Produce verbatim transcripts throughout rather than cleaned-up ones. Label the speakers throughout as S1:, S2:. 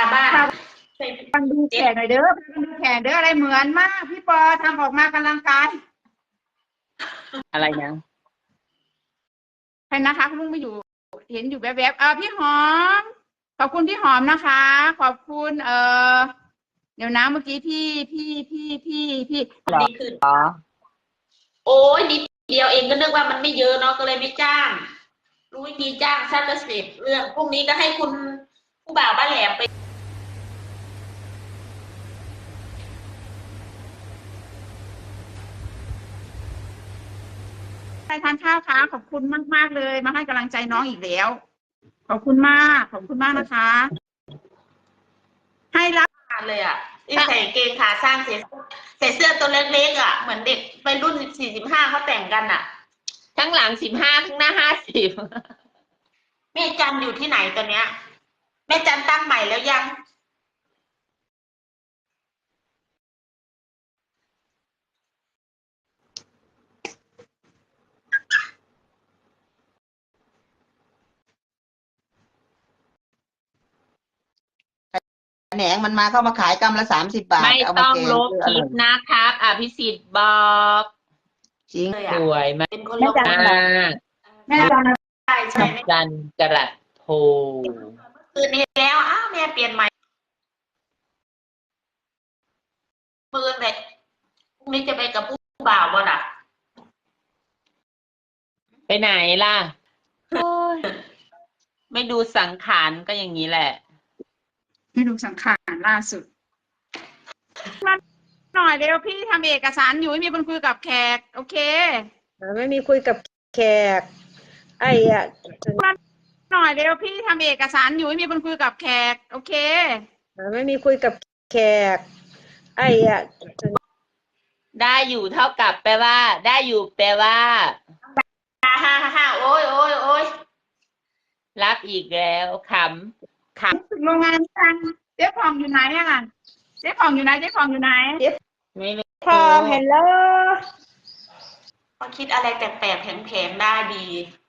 S1: บ้าน
S2: ฟังดูแขนหน่อยเด้อฟังดูแขนเด้ออะไรเหมือนมากพี่ปอทำออกมากำลังกาย
S3: อะไรนะ
S2: ใครนะคะคุณลุงไม่อยู่เห็นอยู่แวบๆเออพี่หอมขอบคุณพี่หอมนะคะขอบคุณเออเดี๋ยวนะเมื่อกี้พี่พี่พี่พี่พี่
S1: ดีขึ้นโอ้ยนิดเดียวเองก็นึกว่ามันไม่เยอะเนาะก็เลยไม่จ้างรู้วิธีจ้างสั้นละสิบเรื่องพรุ่งนี้ก็ให้คุณผู้บ่าวบ้านแหลมไป
S2: ไปทานข้าวค่ะขอบคุณมากมากเลยมาให้กำลังใจน้องอีกแล้วขอบคุณมากขอบคุณมากนะคะให้รับ
S1: เลยอ่ะที่ใส่เกงขาสั้นใส่ใส่เสื้อตัวเล็กๆอ่ะเหมือนเด็กไปรุ่นสิบสี่สิบห้าเขาแต่งกันอ่ะ
S3: ทั้งหลังสิบห้าทั้งหน้าห้าสิบ
S1: แม่จันอยู่ที่ไหนตอนเนี้ยแม่จันตั้งใหม่แล้วยัง
S4: แหนงมันมาเข้ามาขายกรัมละสามสิบบาท
S3: ไม่ต้องลบคลิปนะครับอภิสิทธิ์บอก
S4: จริง
S3: สวยมาก
S1: เป็นคนลบม
S2: ากแม่จัน
S1: ใช่ใช่
S3: จันกระโท
S1: คืนนี้แล้วอ้าวแม่เปลี่ยนใหม่มือเลยพรุ่งนี้จะไปกับผู้บ่าวบ่ล่ะ
S3: ไปไหนล่ะโอ้ยไม่ดูสังขารก็อย่างนี้แหละ
S2: ไม่ดูสังขารล่าสุดมาหน่อยเร็วพี่ทำเอกสารอยู่ไม่มีคนคุยกับแขกโอเค
S5: ไม่มีคุยกับแขกไอ้อะ
S2: มาหน่อยเร็วพี่ทำเอกสารอยู่ไม่มีคนคุยกับแขกโอเค
S5: ไม่มีคุยกับแขกไอ้อะ
S3: ได้อยู่เท่ากับแปลว่าได้อยู่แปลว่า
S1: ฮ่าฮ่าฮ่าโอ้ยโอ้ยโอ้ย
S3: รับอีกแล้วขำข
S2: ำถึงโรงงานจังเจ๊ผ่องอยู่ไหนอ่ะเจ๊ผ่องอยู่ไหนเจ๊ผ่องอยู่ไหน
S3: ไม่รู้
S5: พอเห็นแล้ว
S1: เขาคิดอะไรแปลกๆแผงๆได้ดี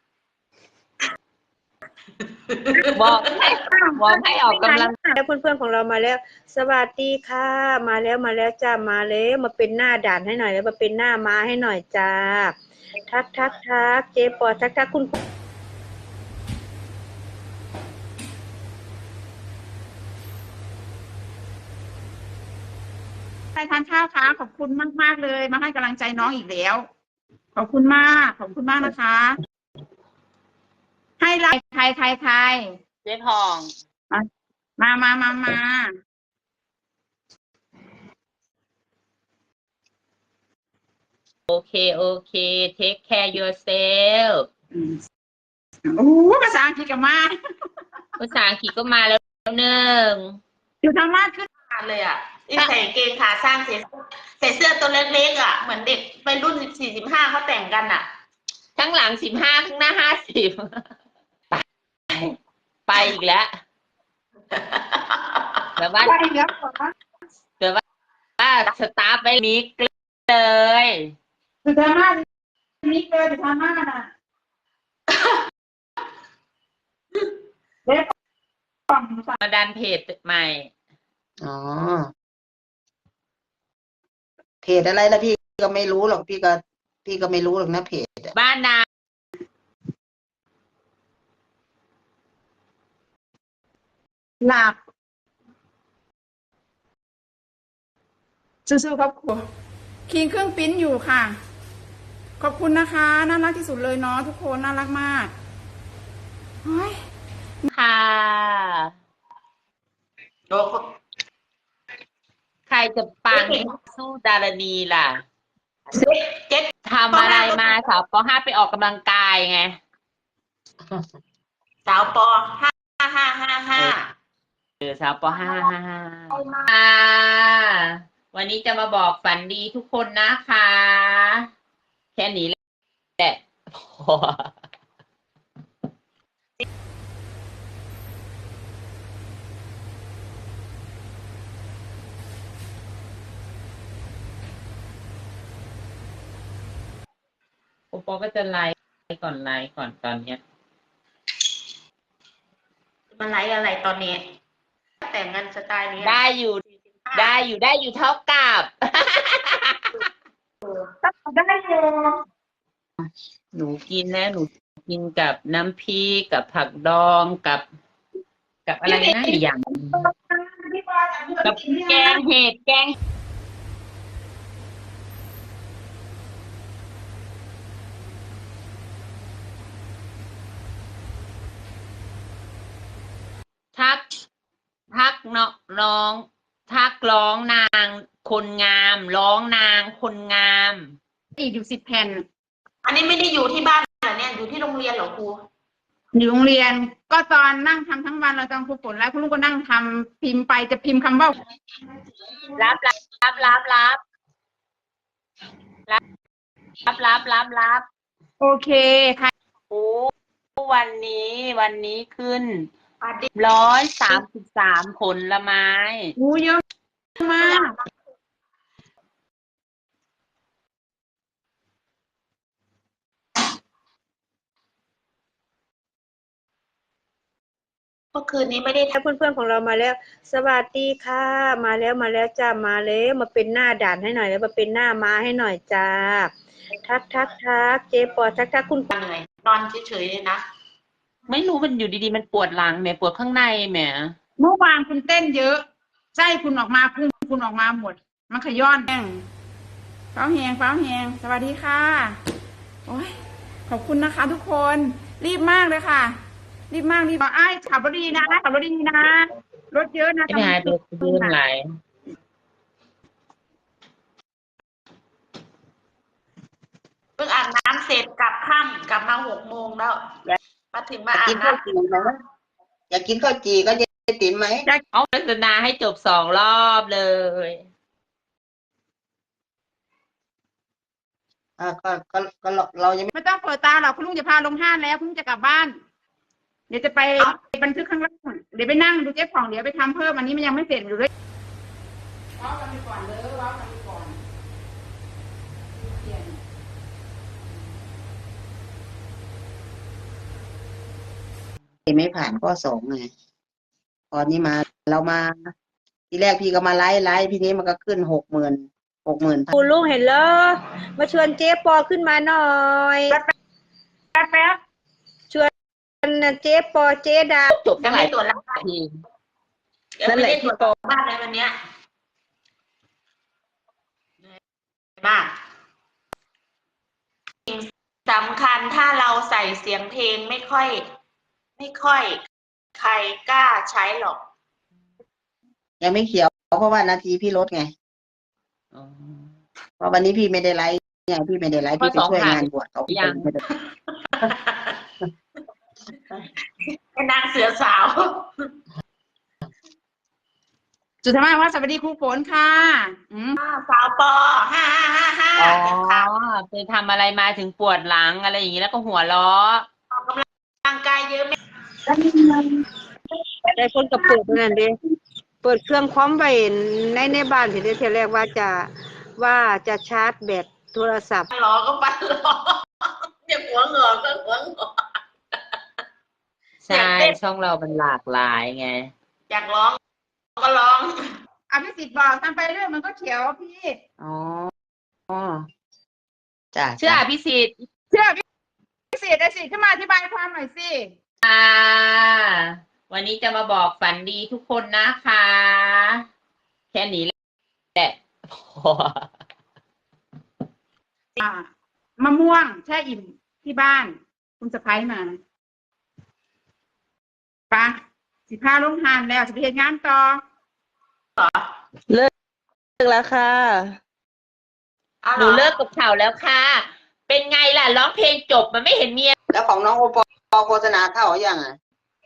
S3: บอกให้บอกให้ออกกำลัง
S5: แล้วเพื่อนๆของเรามาแล้วสวัสดีค่ะมาแล้วมาแล้วจ้ามาแล้วมาเป็นหน้าด่านให้หน่อยแล้วมาเป็นหน้าม้าให้หน่อยจ้าทักทักทักเจ๊ปอทักทักคุณ
S2: ไปทานข้าวค่ะขอบคุณมากมากเลยมาให้กำลังใจน้องอีกแล้วขอบคุณมากขอบคุณมากนะคะให้ไลน์ใครใครใคร
S3: เจ๊พอง
S2: มามามามา
S3: โอเคโอเค take care yourself
S2: โอ้ภาษาอังกฤษก็มา
S3: ภาษาอังกฤษก็มาแล้วหนึ่ง
S2: อยู่ทางมากขึ้น
S1: เลยอ่ะที่ใส่เกงขาสั้นใส่ใส่เสื้อตัวเล็กๆอ่ะเหมือนเด็กไปรุ่นสิบสี่สิบห้าเขาแต่งกันอ่ะ
S3: ทั้งหลังสิบห้าทั้งหน้าห้าสิบไปไปอีกแล้วแต่ว่าแต่ว่าสตาร์ทไปมิกเลย
S2: ถือธรรมะมิกเลยถือธรรมะน่ะเด็ก
S3: มาดันเพจใหม่
S4: อ๋อเพจอะไรล่ะพี่ก็ไม่รู้หรอกพี่ก็พี่ก็ไม่รู้หรอกนะเพจ
S3: บ้านนา
S2: หลับสู้ๆครับครูคิงเครื่องปิ้นอยู่ค่ะขอบคุณนะคะน่ารักที่สุดเลยเนาะทุกคนน่ารักมากเฮ้ย
S3: ค่ะใครจะปังสู้ดารณีล่ะเจ๊ทำอะไรมาสาวป.ห้าไปออกกำลังกายไง
S1: สาวป.ห้าห้าห้าห้า
S3: เออสาวป.ห้าห้าห้าวันนี้จะมาบอกฝันดีทุกคนนะคะแค่นี้แหละพอโอปอก็จะไลฟ์ก่อนไลฟ์ก่อนตอนเนี้ย
S1: มาไลฟ์อะไรตอนนี้แต่งงานสไตล์นี้
S3: ได้อยู่ได้อยู่ได้อยู่เท่ากับ
S2: ได้เลย
S3: หนูกินนะหนูกินกับน้ำพริกกับผักดองกับ กับอะไรนะอีกอย่างกับแกงเห็ดแกงทัก ทักเนาะร้อง ทักร้องนางคนงาม ร้องนางคนงาม
S2: อีกอยู่สิบแผ่น
S1: อันนี้ไม่ได้อยู่ที่บ้านเหรอเนี่ยอยู่ที่โรงเรียนเหรอครู
S2: อยู่โรงเรียนก็ตอนนั่งทำทั้งวันเราตอนครูฝนแล้วคุณลุงก็นั่งทำพิมพ์ไปจะพิมพ์คำว่า
S3: รับรับรับรับรับรับรับรับรับ
S2: โอเคค่ะ
S3: โอ้วันนี้วันนี้ขึ้น
S1: อาดิ
S3: ร้อยสามสิบสามผลไม้
S2: อู้เยอะมาก
S1: เมื่อคืนนี้ไม่ได้
S5: ถ้าเพื่อนๆของเรามาแล้ว สวัสดีค่ะ มาแล้วมาแล้วจ้ามาแล้วมาเป็นหน้าด่านให้หน่อยแล้วมาเป็นหน้าม้าให้หน่อยจ้าทักทักทักเจ๊ปอทักทักคุณ
S1: เหนื่อยนอนเฉยๆเลยนะ
S3: ไม่รู้มันอยู่ดีๆมันปวดหลังแหมปวดข้างในแหม
S2: เมื่อวานคุณเต้นเยอะไส้คุณออกมาพุงคุณออกมาหมด มันขย้อนแห้งฟ้าแหงฟ้าแหงสวัสดีค่ะโอ้ยขอบคุณนะคะ ทุกคนรีบมากเลยค่ะ รีบมากรีบมาไอ้ขับรถดีนะขับรถดีนะรถเยอะนะ
S3: ไม่หายไปดื้อไหล
S1: เพิ่งอาบน้ำเสร็จกลับค่ำกลับมาหกโมงแล้วมาถึงมาอา
S4: กิ
S1: บ
S4: น
S1: น้
S4: ข้าวจี่ไหมอยากกินข้าวจี่ก็จะติ๋มไหม
S3: เอาโฆษณาให้จบสองรอบเลย
S4: อ่าก็ก็ก็เราเรายัง
S2: ไม่ต้องเปิดตาหรอกคุณลุงจะพาลงห้างแล้วคุณลุงจะกลับบ้าน เดี๋ยวจะไปบันทึกข้างล่างเดี๋ยวไปนั่งดูเจ๊ผ่องเดี๋ยวไปทำเพิ่มอันนี้มันยังไม่เสร็จอยู่เลยว้าวกันไปก่อนเลยว้าวกันไปก่อนเปลี่ยน
S4: ไม่ผ่านข้อสองไงตอนนี้มาเรามา ทีแรกพี่ก็มาไล่ไล่พี่นี้มันก็ขึ้นหกหมื่นหกหมื่น
S5: คุณลุงเห็นแล้วมาชวนเจ๊ปอขึ้นมาหน่อย
S2: แป๊บแป๊บ
S5: ชวนเจ๊ปอเจ๊ดา
S3: จบ
S1: ำ
S3: ตั้
S1: ยัง
S3: งหลา
S1: ไม่
S3: ย
S1: ตรวจร่างกาย
S3: ที
S1: ยังไม่ได้ตรวจบ้านเลยวันเนี้ยมากสิ่งสำคัญถ้าเราใส่เสียงเพลงไม่ค่อย ไม่ค่อย ใครกล้าใช้หรอก
S4: ยังไม่เขียวเพราะว่านาทีพี่ลดไง
S3: อ๋อ
S4: เพราะวันนี้พี่ไม่ได้ไลฟ์ไงพี่ไม่ได้ไลฟ์พี่ไปช่วยงานบวชเขา
S3: ยัง
S1: เป็นนางเสือสาว
S2: จุดท้ายว่าสวัสดีครูฝนค่ะอืม
S1: สาวปอห้าห้าห้าห้า
S3: อ๋อ
S1: เจ็บขา
S3: ไปทำอะไรมาถึงปวดหลังอะไรอย่างนี้แล้วก็หัวเราะ
S1: ออกกำลังกายเยอะไหม
S5: ได้คนกับเปิดนั่นเด้เปิดเครื่องพร้อมไว้ในในบ้านทีเดียวทีแรกว่าจะว่าจะชาร์จแบตโทรศัพท์
S1: หลอก็ปันหลอเจ็บหัวเหงอก็หัวเหงอ
S3: ใช่ช่องเรามันหลากหลายไง
S1: อยากร้องก็ร้อง
S2: อภิสิทธิ์บอกทำไปเรื่องมันก็เขียวพี่
S4: อ๋ออ๋อจ้ะ
S3: เชื่ออภิสิทธิ์
S2: เชื่อพี่สิทธิ์ได้สิขึ้นมาอธิบายความหน่อยสิ
S3: ค่ะ วันนี้จะมาบอกฝันดีทุกคนนะคะ แค่นี้แหละ
S2: อ่ามะม่วงแช่อิ่มที่บ้าน คุณสะพ้ายมาปะสิพาลงทานแล้วจะไปเห็นงานต่อ
S5: เลิกแล้วค่ะ
S1: เอา
S3: ห
S1: เหร
S3: นู
S1: อ
S3: เลิกกับเขาแล้วค่ะ เป็นไงล่ะร้องเพลงจบมันไม่เห็นเมีย
S4: แล้วของน้องโอปอโฆษณาเข้าหรือยังอ่ะ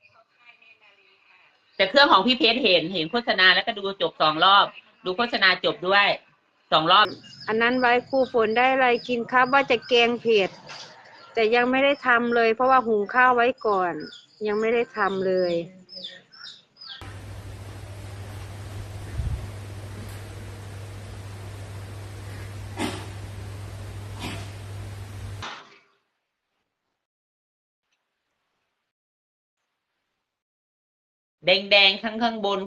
S3: แต่เครื่องของพี่เพชรเห็นเห็นโฆษณาแล้วก็ดูจบสองรอบ ดูโฆษณาจบด้วยสองรอบ
S5: อันนั้นไว้ครูฝนได้อะไรกินครับว่าจะแกงเผ็ดแต่ยังไม่ได้ทำเลย เพราะว่าหุงข้าวไว้ก่อน ยังไม่ได้ทำเลย
S3: แดงๆข้างข้างบน